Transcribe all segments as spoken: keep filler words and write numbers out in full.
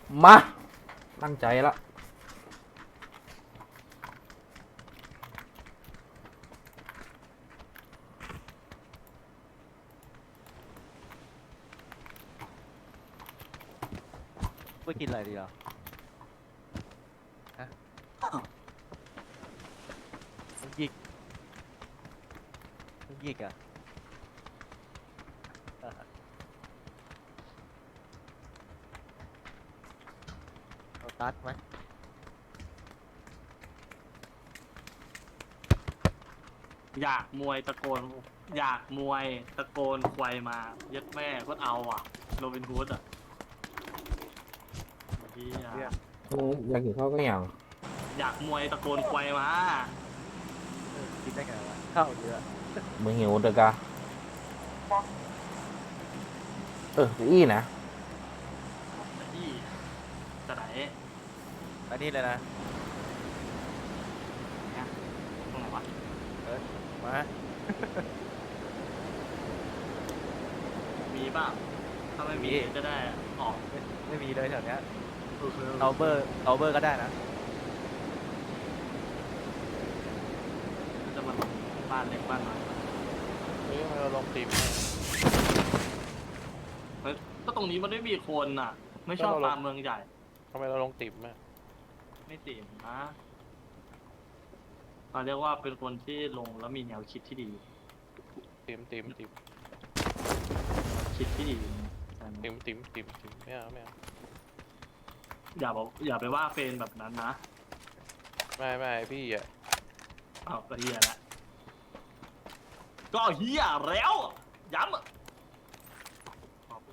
มาตั้งใจละไปกินอะไรดีอ่ะฮะมันหยิกมันหยิกอ่ะอ่ะเอาตัดไหมอยากมวยตะโกนอยากมวยตะโกนควายมายัดแม่ก็เอาอ่ะโรบินฮูดอ่ะเหี้ยเรียกอยากกินข้าวก็อย่างอยากมวยตะโกนควายมาเออกินได้ไงวะข้าวเยอะมึงหิวเด็กอะเอออีนะแต่ที่จะไหนอันนี้เลยนะเนี่ยตรงไหนวะมามีบ้างถ้าไม่มีจะได้ออกไม่ไม่มีเลยแถวเนี้ยเออเอาเบอร์เอาเบอร์ก็ได้นะจะมาลงบ้านเล็กบ้านน้อยเฮ้ยทำไมเราลงตีมเฮ้ยก็ตรงนี้มันไม่มีคนอ่ะ ไม่ชอบตามเมืองใหญ่ทำไมเราลงตีมอ่ะไม่ติ่มนะเขาเรียกว่าเป็นคนที่ลงแล้วมีแนวคิดที่ดีตีมตีมตีมคิดที่ดีแต่ตีมตีมตีมตีมไม่เอาไม่เอาอย่าบอกอย่าไปว่าเฟนแบบนั้นนะไม่ไม่พี่อ่ะอ้าวก็เฮียแล้วก็เฮียแล้วย้ำอะขอบคุณ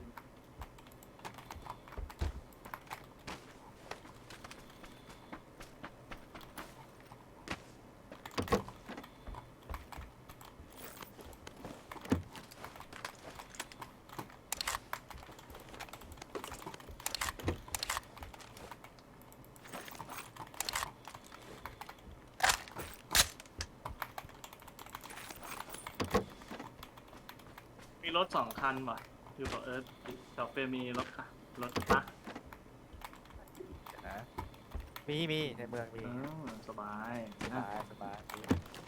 มีรถสองคันว่ะอยู่กับเอิร์ธกับเฟรมมีรถค่ะรถปะเดี๋ยวนะมีมีในเมืองมีเออสบายสนะบายสบายมี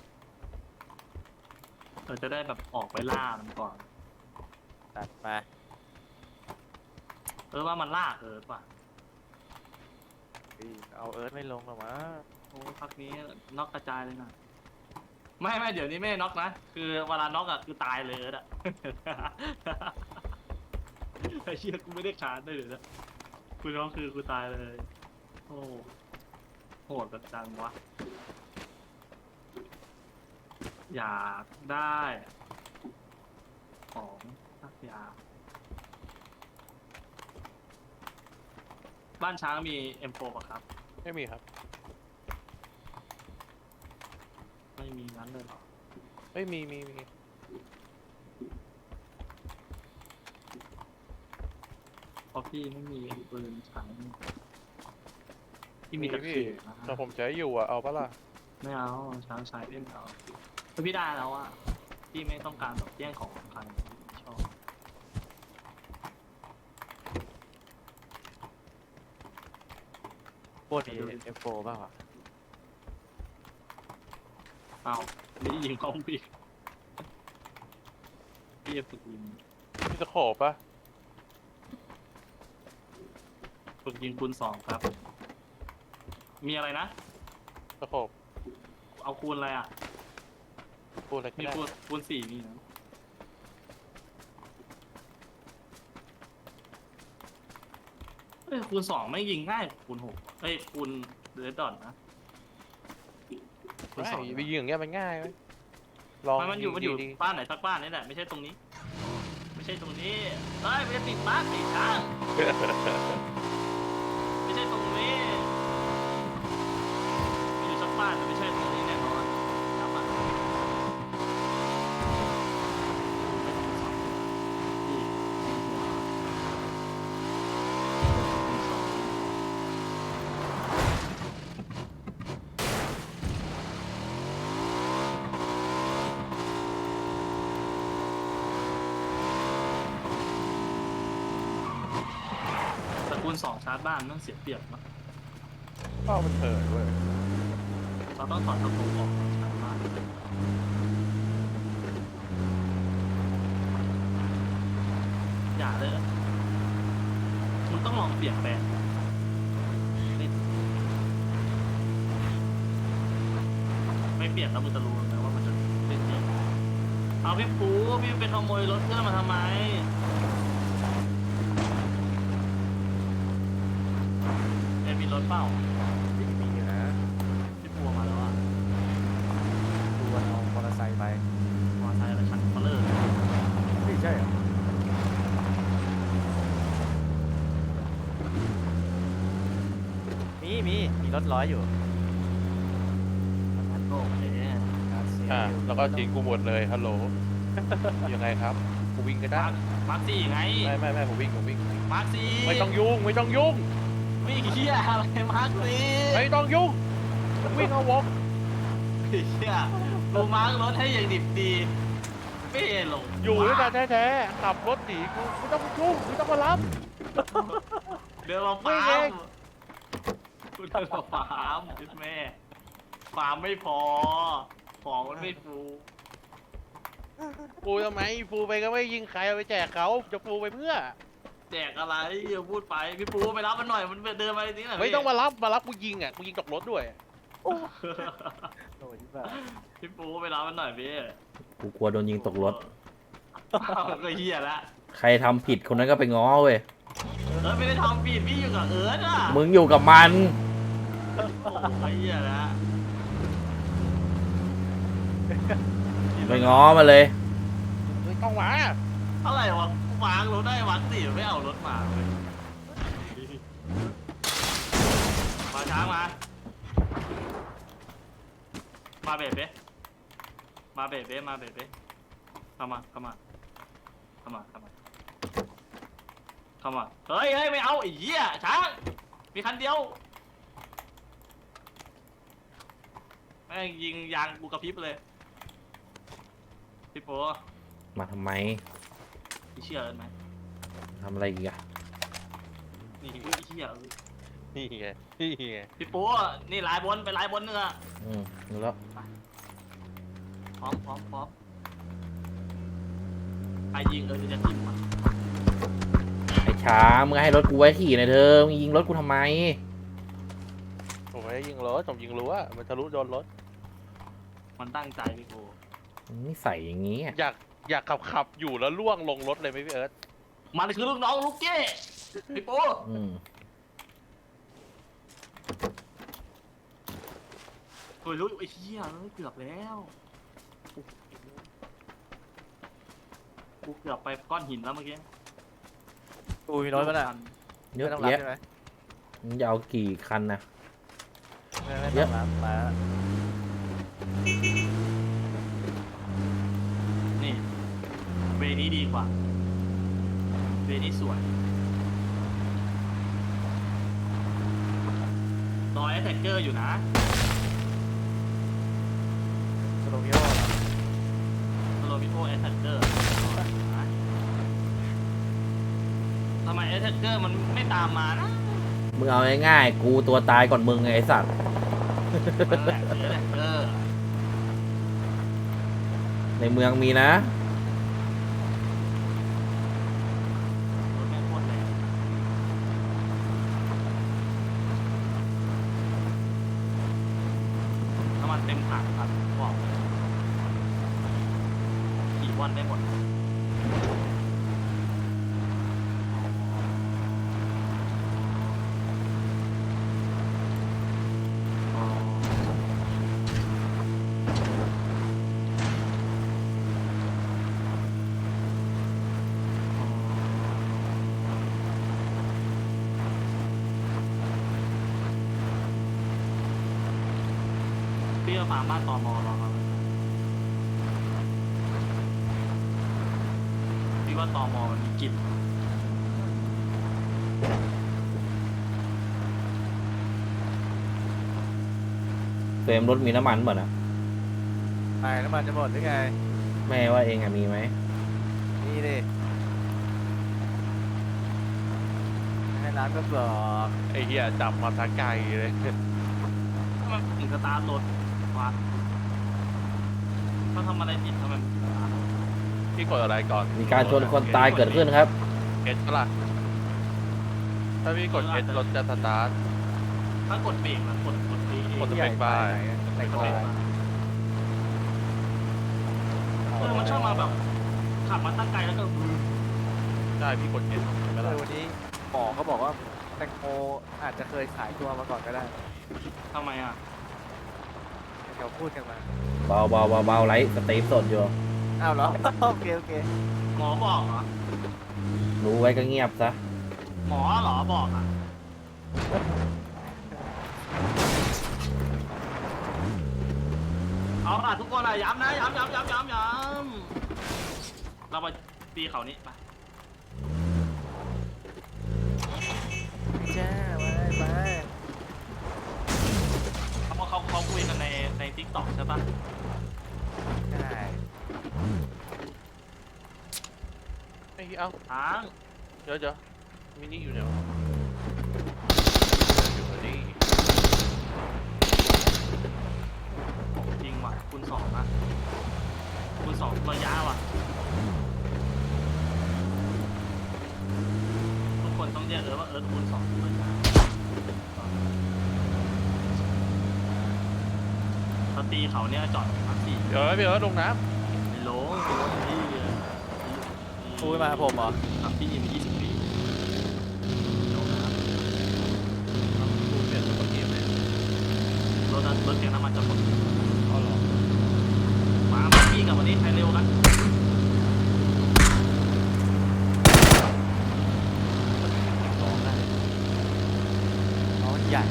เราจะได้แบบออกไปล่ามันก่อนตัดมาเออว่ามันล่าเอิร์ธว่ะอีเอาเอิร์ธไม่ลงหรอวะโอ้พักนี้น็อกกระจายเลยนะไม่ไม่เดี๋ยวนี้ไม่ได้น็อกนะคือเวลาน็อกอะคือตายเลยเอิร์ธอะ ไอ้เชี่ยกูไม่ได้ขาดได้เลยนะกูน็อกคือกูตายเลย โอ้โหดแบบจังวะ อยากได้ของสักอย่างบ้านช้างมี เอ็ม โฟร์ ป่ะครับไม่มีครับไม่มีงั้นเลยเหรอไม่มีมีมีเพราะพี่ไม่มีปืนใช้พี่มีมีแต่พี่เขียนะแต่ผมใช้อยู่อ่ะเอาปะล่ะไม่เอาช้างใช้พี่ไม่เอาถ้าพี่ได้แล้วอะพี่ไม่ต้องการแบบแย่งของของใครชอบโคตรมีเอฟโฟบ้างวะเอานี่ยิงเขาพี่พี่จะฝึกยิงพี่ตะขอปะฝึกยิงคูณสองครับ มีอะไรนะตะขอบเอาคูณอะไรอ่ะพูดอะไรก็มีได้คูณคูณสี่มีนะเอ้ยคูณสองไม่ยิงง่ายกว่าคูณหกเอ้ยคูณเรดดอทนะคูณไม่สองไปยิงอย่างเงี้ยมันง่ายไหมลองไม่มันอยู่มันอยู่ดีบ้านไหนสักบ้านนี่แหละไม่ใช่ตรงนี้ ไม่ใช่ตรงนี้เอ้ยไม่ได้ติดบ้านติดช้างไม่ใช่ตรงนี้มีอยู่สักบ้านแต่ไม่ใช่ตรงนี้แน่นอนครับอ่ะนี่หัวคูณสองสคูณสองชาร์จบ้านมันเสียเปรียบเนาะเป้ามันเถิดเว้ยเราต้องถอดกระโปรงออกชาร์จบ้านอย่าเลยอะมึงต้องลองเปลี่ยนแปลงไม่ไม่เปลี่ยนแล้วมึงจะรู้นะว่ามันจะเป็นยังไงเอาพี่ปูพี่ไปขโมยรถเพื่อนมาทำไมเอ็มมีรถเปล่ามีมีอยู่นะพี่ปูมาแล้วอ่ะดูวันเอามอเตอร์ไซค์ไปมอเตอร์ไซค์อะไรคันเบลเลอร์ไม่ใช่เหรอมีมีมีรถร้อยอยู่โอเคอ่ะแล้วก็ทิ้งกูหมดเลยฮัลโหล ยังไงครับกูวิ่งก็ได้มาร์คมาร์คสี่ไงไม่ไม่ไม่ผมวิ่งผมวิ่งมาร์คสี่ไม่ต้องยุ่งไม่ต้องยุ่งวิ่งเฮียอะไรมาร์คสี่ไม่ต้องยุ่งวิ่งเอาวงเฮียกูมาร์ครถให้อย่างดิบดีไม่เห็นหรอกอยู่ด้วยกันแท้ๆขับรถหนีกูไม่ต้องยุ่งไม่ต้องมารับเดินมาฟาไม่เอร์มงกูเดินมาฟาร์มจุดแม่ฟาร์มไม่พอ ของมันไม่ฟูปูทำไมปูไปก็ไม่ยิงใครเอาไปแจกเขาจะปูไปเพื่อแจกอะไรอย่าพูดไปพี่ปูไปรับมันหน่อยมันเดินมาจริงๆหน่อยไม่ต้องมารับมารับกูยิงอ่ะกูยิงตกรถด้วยโอ้ยที่บ้าพี่ปูไปรับมันหน่อยพี่กูกลัวโดนยิงตกรถอ้าวก็เฮียละใครทำผิดคนนั้นก็ไปง้อเว้ยเออไม่ได้ทำผิดพี่อยู่กับเอิร์ธอ่ะมึงอยู่กับมันโอ้ยเฮียละไปง้อมาเลยไม่ต้องมาอะไรวะวางรถได้วางสี่ไม่เอารถมาเลยมาช้างมา มาเบรเบ้มาเบรเบ้มาเบรเบ้เข้ามาเข้ามาเข้ามาเข้ามาเข้ามาเฮ้ยเฮ้ยไม่เอาไอ้เหี้ยช้างมีคันเดียวแม่งยิงยางกูกระพริบเลยพี่โป้มาทำไมพี่เชื่อเอิญไหมทำอะไรอีกอะนี่พี่เชื่อนี่ไงนี่ไงพี่โป้นี่ลายบนไปลายบนเนื้อะอืมแล้วพร้อมพร้อมพร้อมใครยิงเออจะทิมมาไอ้ช้ามึงให้รถกูไว้ขี่หน่อยเธอมึงยิงรถกูทำไมผมไม่ได้ยิงรถผมยิงรั้วมันทะลุโดนรถมันตั้งใจพี่โป้นี่ใส่อย่างงี้อะอยากอยากขับขับอยู่แล้วล่วงลงรถเลยไหมพี่เอิร์ธมันคือลูกน้องลูกเก้พี่โป้อืมโอ้ยรู้ไอ้เหี้ยเกือบแล้วกูเกือบไปก้อนหินแล้วเมื่อกี้กูมีรถมั้ยน่ะเยอะไม่ต้องรับแยะใช่ไหมมึงจะเอากี่คันนะไม่ไม่ต้องรับมานี่เวนี้ดีกว่าเวนี้สวยรอยแอทแทกเกอร์อยู่นะสโลมิโอโรมิโอแอทแทกเกอร์ทำไมแอทแทกเกอร์มันไม่ตามมานะมึงเอาง่ายๆกูตัวตายก่อนมึงไงไอ้สัตว์มันแหละแอทแทกเกอร์ในเมืองมีนะรถแม่งโคตรแรงน้ำมันเต็มถังครับบอกเลยขี่วันได้หมดพี่ก็ฟาร์มบ้านตอมอรอครับพี่ว่าตอมอมันมีกลิ่นเฟรมรถมีน้ำมันเปล่านะไปน้ำมันจะหมดหรือไงแม่ว่าเองอะมีไหมนี่ดิให้น้ำก็บอกไอ้เหี้ยจับมาทางไกลเลยทำไมถึงสตาร์ทรถวะเขาทำอะไรผิดทำไมถึงสตาร์ทรถพี่กดอะไรก่อนมีการชนคนตายเกิดขึ้นครับเอสปะล่ะถ้าพี่กดเอสรถจะสตาร์ทถ้ากดเบรกนะกดกดเบรกกด สเปคบาร์ไหนกก็ดเบรกมาเออมันชอบมาแบบขับมาตั้งไกลแล้วก็วืบใช่พี่กดเอสใช่ไหมเอล่ะอวันนี้หมอเขาบอกว่าแตงโมอาจจะเคยขายตัวมาก่อนก็ได้ทำไมอ่ะเขาพูดกันมาเบาเบาเบาเบาไลท์สตรีมสดอยู่อ้าวเหรอ โอเคโอเคหมอบอกเหรอรู้ไว้ก็เงียบซะหมอเหรอบอกอ่ะเอาล่ะทุกคนอ่ะย้ำนะย้ำย้ำย้ำย้ำย้ำเราไปตีเขานี้ไปแจ้ไปไปเขาบอกเขาเขาคุยกันในในทิกตอกใช่ปะใช่ไอ้เหี้ยเอ้าทางเดี๋ยวเดี๋ยวมินิอยู่ไหนวะอยู่นี่จริงว่ะคูณสองอ่ะคูณสองระยะว่ะทุกคนต้องเรียกเออว่าเออคูณสองระยะถ้าตีเขาเนี่ยจอดทักซี่เดี๋ยวพี่เอิร์ธลงน้ไม่ลงที่พูดมาผมเหรอขับที่ยี่สิบยี่สิบปีลงน้ำกูเปลี่ยนตัวเกมเลยำรถนั้นรถแกงน้ำมันจะหมดเอาเหรอมามาพี่กับวันนี้ใครเร็วกันสองได้น้องใหญ่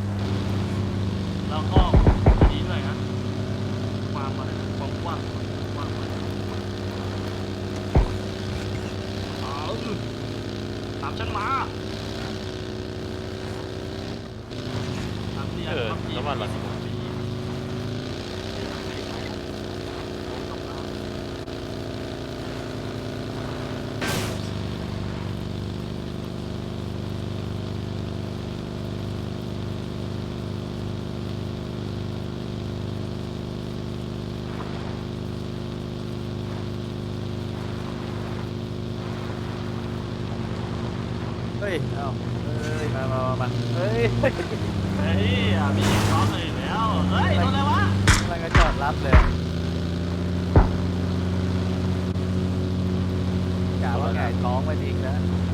แล้วก็ดีด้วยนะความอะไรนะความกว้างกว้างเอาตามฉันมาตามที่เออน้ำมันหลังเฮ้ยเอ้าเฮ้ยมามามามาเฮ้ยเฮ้ยอ่ะมีล็อกเลยแล้วเฮ้ยโดนอะไรวะมันก็จอดรับเลยกะว่าไงท้องมาจริงนะ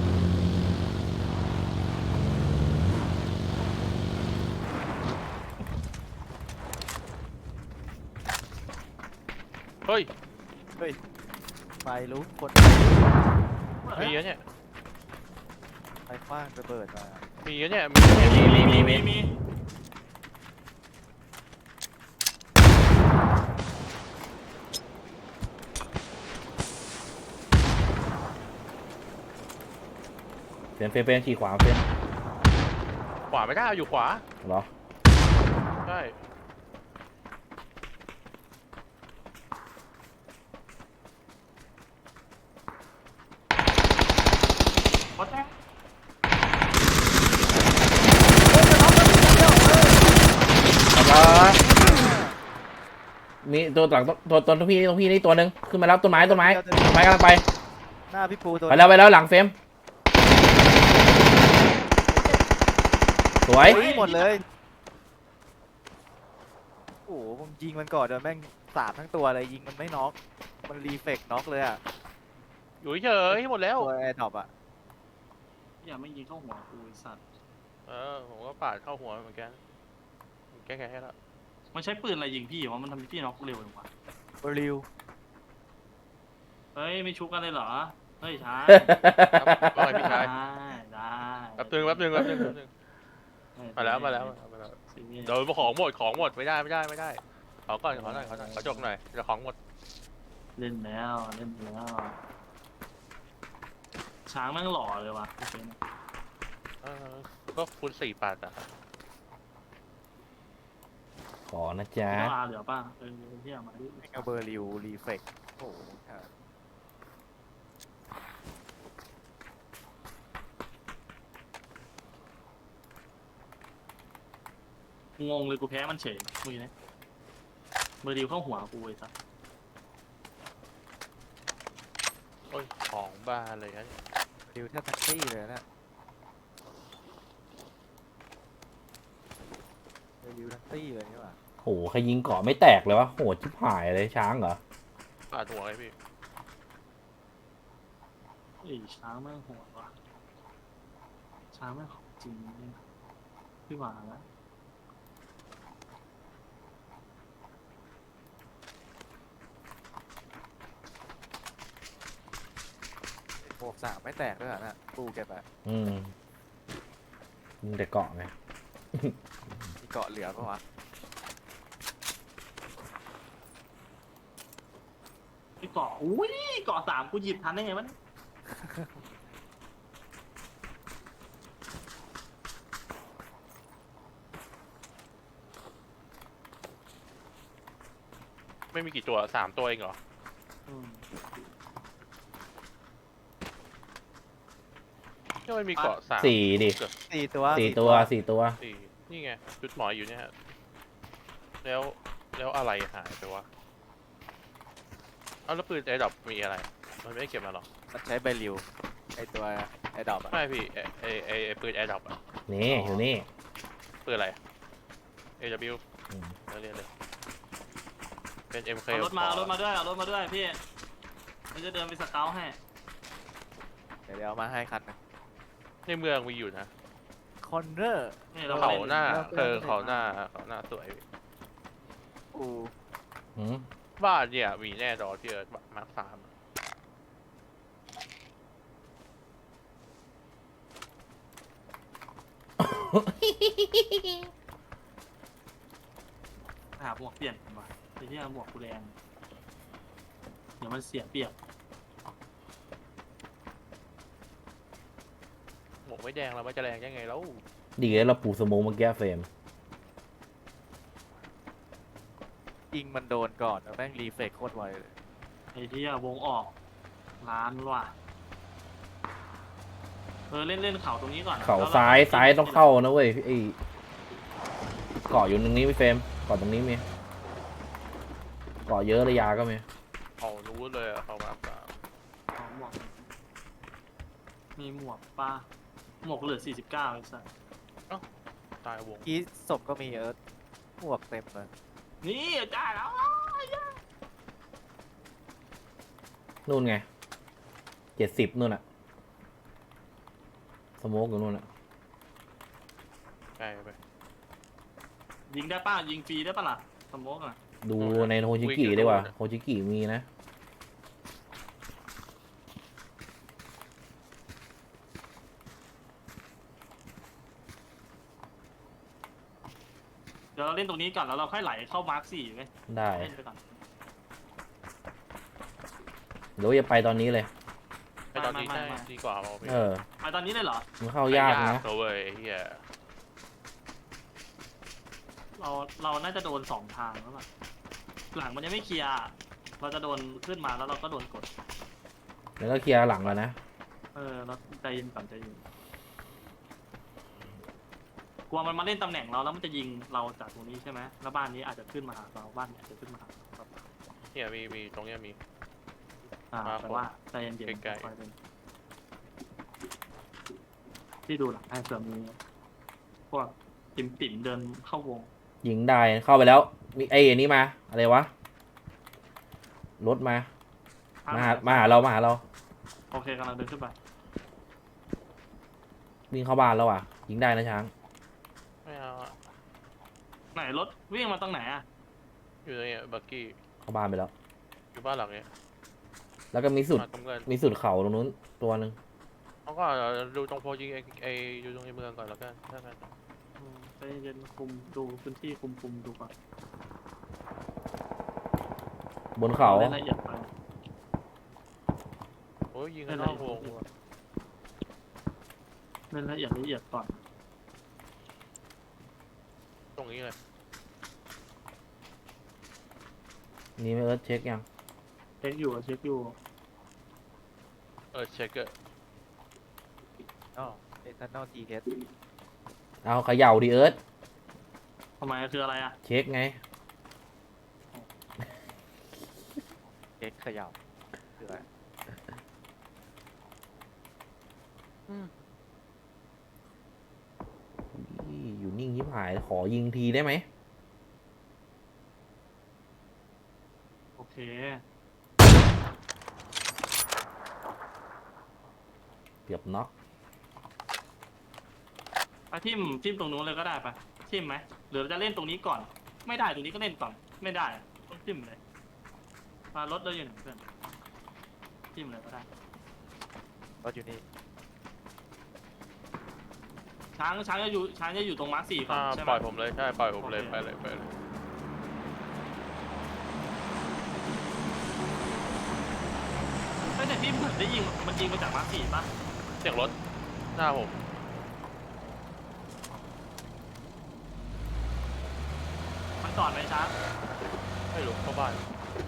เฮ้ยเฮ้ยไฟลุกคนมีอะเนี่ยไฟคว้างระเบิดมามีอะเนี่ยมีอะเนี่ยมีมีมีมีเฟรนเฟรนเฟรนขี่ขวาเฟรนขวาไม่ได้เอาอยู่ขวาเหรอใช่ขอแจ้งแล้วมีตัวหลังตัวตัวตัวพี่ตัวพี่นี่ตัวหนึ่งขึ้นมาแล้วต้นไม้ต้นไม้ต้นไม้กำลังไปหน้าพี่ปูตัวไปแล้วไปแล้วหลังเฟรมสวยเฮ้ยหมดเลยโอ้โหผมยิงมันก่อนเดี๋ยวแม่งสาดทั้งตัวเลยยิงมันไม่น็อกมันรีเฟกน็อกเลยอะอยู่เฉยๆหมดแล้วตัวแอร์ดรอปอะอย่าไม่ยิงเข้าหัวกูไอ้สัตว์เออผมก็ปาดเข้าหัวเหมือนกันผมแก้แค้นให้แล้วมันใช้ปืนอะไรยิงพี่วะมันทำให้พี่น็อกเร็วจังวะบริวเฮ้ยไม่ชุบกันเลยเหรอเฮ้ยช้าว่าไงพี่ชายได้ได้แป๊บนึงแป๊บนึงแป๊บนึงแป๊บนึงมาแล้วมาแล้วมาแล้วเดี๋ยวของหมดของหมดไม่ได้ไม่ได้ไม่ได้ขอก่อนขอหน่อยขอหน่อยขอจกหน่อยเดี๋ยวของหมดเล่นแล้วเล่นแล้วช้างแม่งหล่อเลยวะเออก็คูณสี่ปาดอ่ะขอนะจ๊ะเจ้าอาเหลือป่ะเออที่เอามาดิแม่งเอาเบอร์ริวรีเฟกโอ้โหครับเงงเลยกูแพ้มันเฉยมือนี้มือเดียวเข้าหัวกูไอ้สัสโอ้ยของบ้าเลยนะดิวแทบแท็กซี่เลยนะดิวแท็กซี่เลยนี่หว่าโหใครยิงเกาะไม่แตกเลยวะโหชิบหายเลยช้างเหรอปาดหัวเลยพี่ไอ้ช้างแม่งโหดว่ะช้างแม่งของจริงเนี่ยพี่หวานแล้วหมวกสามไม่แตกด้วยเหรอนะกูเก็บอะอืมยิงแต่เกาะไงมีเกาะเหลือปะวะไอ้เกาะอุ้ยเกาะสามกูหยิบทันได้ไงวะเนี่ยไม่มีกี่ตัวสามตัวเองเหรออืมก็ไม่มีเกาะสามสี่ดิสี่ตัวสี่ตัวสี่ตัวสี่นี่ไงจุดหมอยอยู่เนี่ยฮะแล้วแล้วอะไรหายไปวะเอาแล้วปืนไอ้ดอกมีอะไร มันไม่ได้เก็บมาหรอมันใช้ใบริวไอตัวไอดอบอะไม่พี่ไอไอไอไอ้ปืนไอ้ดอกอะนี่อยู่นี่ปืนอะไร เอ ดับเบิลยูอืมแล้วเรียนเลย เป็น เอ็ม เคเอารถมาเอารถมาด้วยเอารถมาด้วยพี่มันจะเดินไปสเกลให้เดี๋ยวเดี๋ยวเอามาให้คันหนึงในเมืองมีอยู่นะคอนเนอร์นี่เราเขาล่หน้าแล้วเออเขาหน้าเขาหน้าสวยอูหืมบ้านเนี่ยมีแน่นอนที่เออมาร์คสามหาหมวกเปลี่ยนกันว่ะไอ้ที่หมวกกูแรงเดี๋ยวมันเสียเปรียบหมวกไม่แดงแล้วมันจะแรงยังไงแล้วดีเลยเราปูสโมกเมื่อกี้เฟรมยิงมันโดนก่อนแล้วแม่งรีเฟกโคตรไวเลยไอ้ที่วงออกร้านว่ะเออเล่นเล่นเข่าตรงนี้ก่อนเขาแล้วรซ้ายซ้ายต้องเข้านะเว้ยไอ้เกาะอยู่ตรงนี้พี่เฟรมเกาะตรงนี้มีเกาะเยอะระยาก็มีเอารู้เลยอะเขามาร์คสามเอาหมวกมีหมวกป้าหมวกเหลือสี่สิบเก้าไอ้สัสตายวงกี้ศพก็มีเอิร์ธหมวกเต็มเลยนี่ได้แล้วนู่นไงเจ็ดสิบนู่นอะสโมกอยู่นู่นอะใกล้ไปยิงได้ป้ายิงฟรีได้ปะล่ะสโมกอ่ะดูในโฮจิกิดีกว่าโฮจิกิมีนะเดี๋ยวเราเล่นตรงนี้ก่อนแล้วเราค่อยไหลเข้ามาร์คสี่ไหมได้เล่นไปก่อนเดี๋ยวอย่าไปตอนนี้เลยไปตอนนี้ไม่ใช่ไม่ไม่ดีกว่าเอาไปเออไปตอนนี้เลยเหรอมันเข้ายากนะตัวเว้ยไอ้เฮียเราเราน่าจะโดนสองทางแล้วล่ะหลังมันยังไม่เคลียร์เราจะโดนขึ้นมาแล้วเราก็โดนกดแล้วก็เคลียร์หลังแล้วนะเออเราใจเย็นก่อนใจเย็นกลัวมันมาเล่นตำแหน่งเราแล้วมันจะยิงเราจากตรงนี้ใช่ไหมแล้วบ้านนี้อาจจะขึ้นมาหาเราบ้านนี้อาจจะขึ้นมาหาเราเนี่ยมีมีตรงเนี้ยมีอ่าครับแต่ว่าใจเย็นๆใกล้ๆค่อยๆเล่นที่ดูหลังให้เสริมมีพวกติ่มติ่มๆเดินเข้าวงยิงได้เข้าไปแล้วมีไอ้อันนี้มาอะไรวะรถมามาหามาหาเรามาหาเราโอเคกำลังเดินขึ้นไปวิ่งเข้าบ้านแล้วอ่ะ ยิงได้นะช้างไม่เอาอะไหนรถวิ่งมาตรงไหนอ่ะอยู่ตรงเนี้ยบักกี้เข้าบ้านไปแล้วอยู่บ้านหลังเนี้ยแล้วก็มีสุดมาตรงเงินมีสุดเขาตรงนู้นตัวหนึ่งเขาก็ดูตรงโพยิงไอไออยู่ตรงในเมืองก่อนแล้วกันถ้างั้นอืมใจเย็นคุมดูพื้นที่คุมคุมดูก่อนบนเขาเล่นละเอียดไปโอ้ยยิงกันนอกวงว่ะเล่นละเอียดละเอียดก่อนตรงนี้เลยนี่ไม่เอิร์ธเช็คยังเช็คอยู่เช็คอยู่เออเช็คเกอร์อ๋อเอทานอลทีเอสเอาเขย่าดิเอิร์ธทำไมคืออะไรอ่ะเช็คไงเอ็กเขย่าคืออะไรอี้อยู่นิ่งยิบหายขอยิงทีได้ไหมโอเคเกือบน็อกไปทิมทิมตรงนู้นเลยก็ได้ปะทิมไหมหรือเราจะเล่นตรงนี้ก่อน ไม่ได้ตรงนี้ก็เล่นก่อน ไม่ได้อะต้องทิมเลยมารถเราอยู่ไหนเพื่อนทิมเลยก็ได้รถอยู่นี่ช้างช้างจะอยู่ช้างจะอยู่ตรงมาร์คสี่ก่อนอ่าใช่ไหปมล่อยผมเลยใช่ปล่อยผมเลยโอเคไปเลยไปเลยเฮ้ยแต่ที่เหมือนได้ยิงมันยิงมาจากมาร์คสี่ปะเสียงรถหน้าผมมันจอดไหมช้างไม่รู้เข้าบ้าน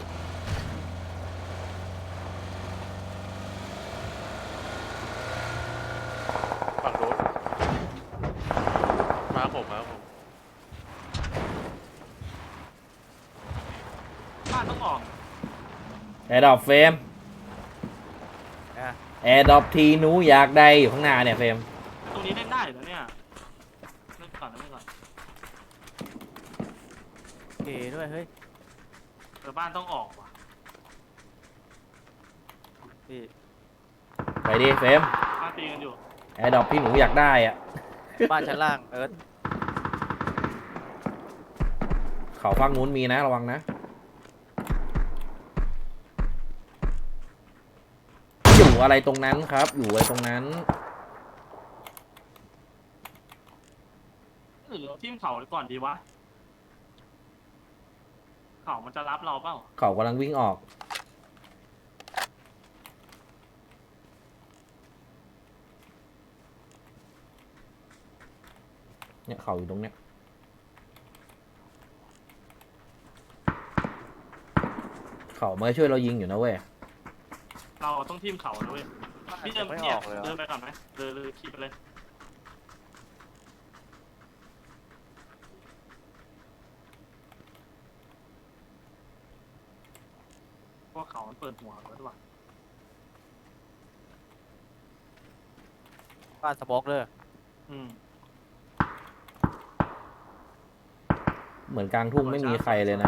ฝั่งโน้นมาผมมาผมบ้านต้องออกแอร์ดรอปเฟรมนะแอร์ดรอปทีหนูอยากได้อยู่ข้างหน้าเนี่ยเฟรมตรงนี้เล่นได้เหรอเนี่ยเล่นก่อนนะเล่นก่อนเก๋ด้วยเฮ้ยเออบ้านต้องออกว่ะพี่ไปดิเฟรมบ้านตีกันอยู่แอร์ดรอปที่หนูอยากได้อะบ้านชั้นล่างเอิร์ธเขาฝั่งนู้นมีนะระวังนะ อยู่อะไรตรงนั้นครับ อยู่อะไรตรงนั้นหรือเราทิมเขาก่อนดีวะเขามันจะรับเราเปล่าเขากำลังวิ่งออก เนี่ยเขาอยู่ตรงเนี้ย เขามาช่วยเรายิงอยู่นะเว้ยเราต้องทิมเขาด้วยพี่เดินไม่อเนี่ยอกเลยเหรเดิอนไปก่อนไหมเดินเลยขี่ไปเลยพวกเขามันเปิดหัวไว้ด้วยว่ะบ้านสโมอกเลยอืมเหมือนกลางทุ่งไม่มีใครเลยนะ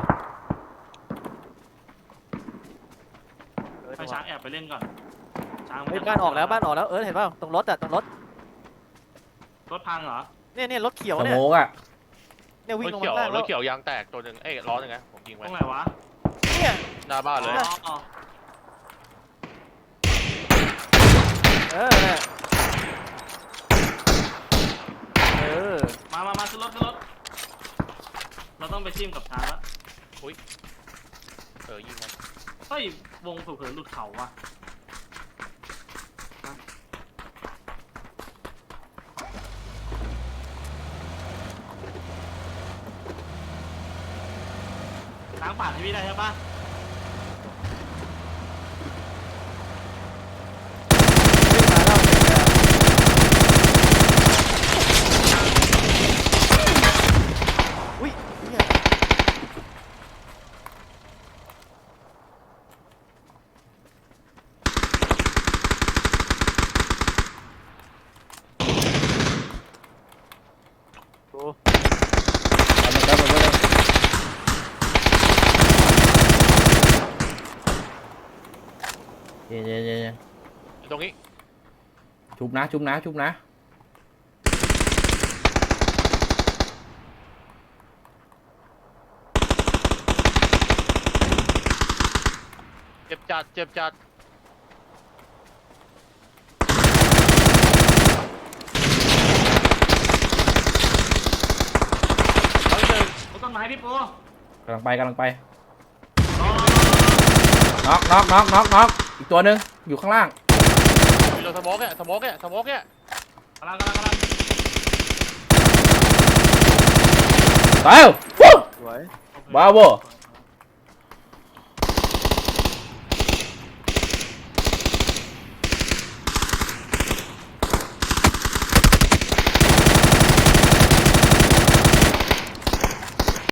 เอิร์ธให้ช้างแอบไปเล่นก่อนช้างมัเฮ้ยจะบ้านออกแล้วบ้านออกแล้วเอิร์ธเห็นป่าวตรงรถอะตรงรถรถพังเหรอเนี่ยเนี่ยรถเขียวสเนี่ยโมกอะเนี่ยรวิ่งถลงเขียวมาข้างล่างรแล้ถวเขียวยางแตกตัวหนึ่งเอ้ยล้อหนึ่งนะผมยิงตไว้รงไหนวะเนี่ยหน้าบ้านเลยอ๋ออ๋อเออเนี่ยเออมามามาขึ้นรถขึ้นรถเราต้องไปทิมกับช้างแล้วเออยิงมันเฮ้ย วงเผื่อๆหลุดเขาว่ะมาล้างป่าดให้พี่ได้ใช่ปะวิ่งมาแล้วอุ้ยเนี่ยดูเอามาครับมาครับเย็นเย็นเย็นเย็นตรงนี้ชุบนะชุบนะชุบนะเจ็บจัดเจ็บจัดเฮ้ยเดินบนต้นไม้พี่ปูกำลังไปกำลังไปรอรอรอน็อกน็อกน็อกน็อกน็อกอีกตัวหนึ่งอยู่ข้างล่างมีรถสโมกเนี่ยสโมกเนี่ยสโมกเนี่ยกำลังกำลังกำลังตายวู้สวยโอเคบราโวส